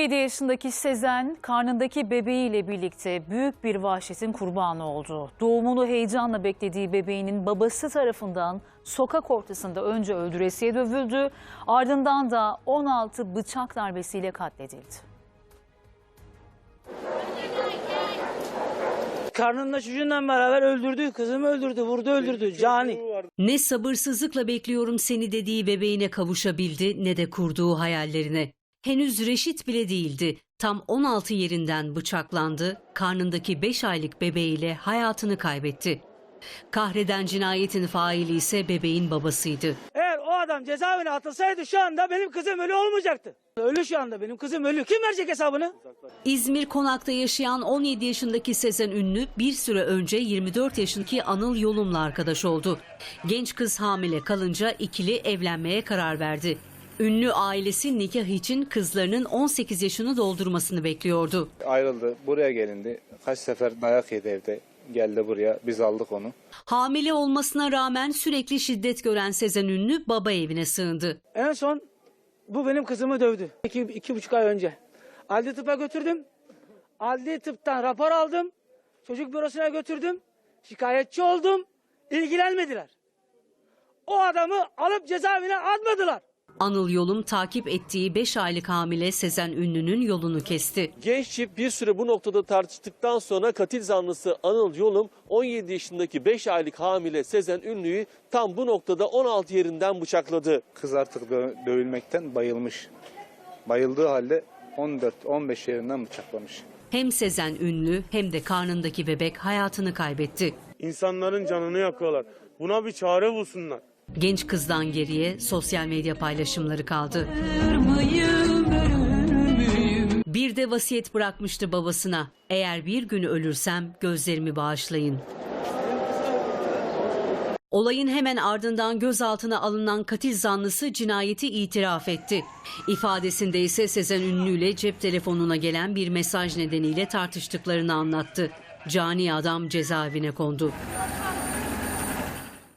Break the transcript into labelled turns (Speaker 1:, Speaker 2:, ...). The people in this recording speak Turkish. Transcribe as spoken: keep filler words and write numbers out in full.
Speaker 1: yedi yaşındaki Sezen, karnındaki bebeğiyle birlikte büyük bir vahşetin kurbanı oldu. Doğumunu heyecanla beklediği bebeğinin babası tarafından sokak ortasında önce öldüresiye dövüldü, ardından da on altı bıçak darbesiyle katledildi.
Speaker 2: Karnında çocuğunla beraber öldürdü, kızımı öldürdü, vurdu öldürdü, cani.
Speaker 3: Ne sabırsızlıkla bekliyorum seni dediği bebeğine kavuşabildi ne de kurduğu hayallerine. Henüz reşit bile değildi. Tam on altı yerinden bıçaklandı, karnındaki beş aylık bebeğiyle hayatını kaybetti. Kahreden cinayetin faili ise bebeğin babasıydı.
Speaker 2: Eğer o adam cezaevine atılsaydı şu anda benim kızım ölü olmayacaktı. Ölü şu anda, benim kızım ölü. Kim verecek hesabını?
Speaker 3: İzmir Konak'ta yaşayan on yedi yaşındaki Sezen Ünlü bir süre önce yirmi dört yaşındaki Anıl Yolum'la arkadaş oldu. Genç kız hamile kalınca ikili evlenmeye karar verdi. Ünlü ailesi nikah için kızlarının on sekiz yaşını doldurmasını bekliyordu.
Speaker 4: Ayrıldı, buraya gelindi. Kaç sefer dayak yedi evde. Geldi buraya, biz aldık onu.
Speaker 3: Hamile olmasına rağmen sürekli şiddet gören Sezen Ünlü baba evine sığındı.
Speaker 2: En son bu benim kızımı dövdü. İki, iki buçuk ay önce. Adli tıpa götürdüm. Adli tıptan rapor aldım. Çocuk bürosuna götürdüm. Şikayetçi oldum. İlgilenmediler. O adamı alıp cezaevine atmadılar.
Speaker 3: Anıl Yolum takip ettiği beş aylık hamile Sezen Ünlü'nün yolunu kesti.
Speaker 5: Genç çift bir süre bu noktada tartıştıktan sonra katil zanlısı Anıl Yolum on yedi yaşındaki beş aylık hamile Sezen Ünlü'yü tam bu noktada on altı yerinden bıçakladı.
Speaker 4: Kız artık dö- dövülmekten bayılmış. Bayıldığı halde on dört on beş yerinden bıçaklamış.
Speaker 3: Hem Sezen Ünlü hem de karnındaki bebek hayatını kaybetti.
Speaker 6: İnsanların canını yakıyorlar. Buna bir çare bulsunlar.
Speaker 3: Genç kızdan geriye sosyal medya paylaşımları kaldı. Bir de vasiyet bırakmıştı babasına. Eğer bir gün ölürsem gözlerimi bağışlayın. Olayın hemen ardından gözaltına alınan katil zanlısı cinayeti itiraf etti. İfadesinde ise Sezen Ünlü ile cep telefonuna gelen bir mesaj nedeniyle tartıştıklarını anlattı. Cani adam cezaevine kondu.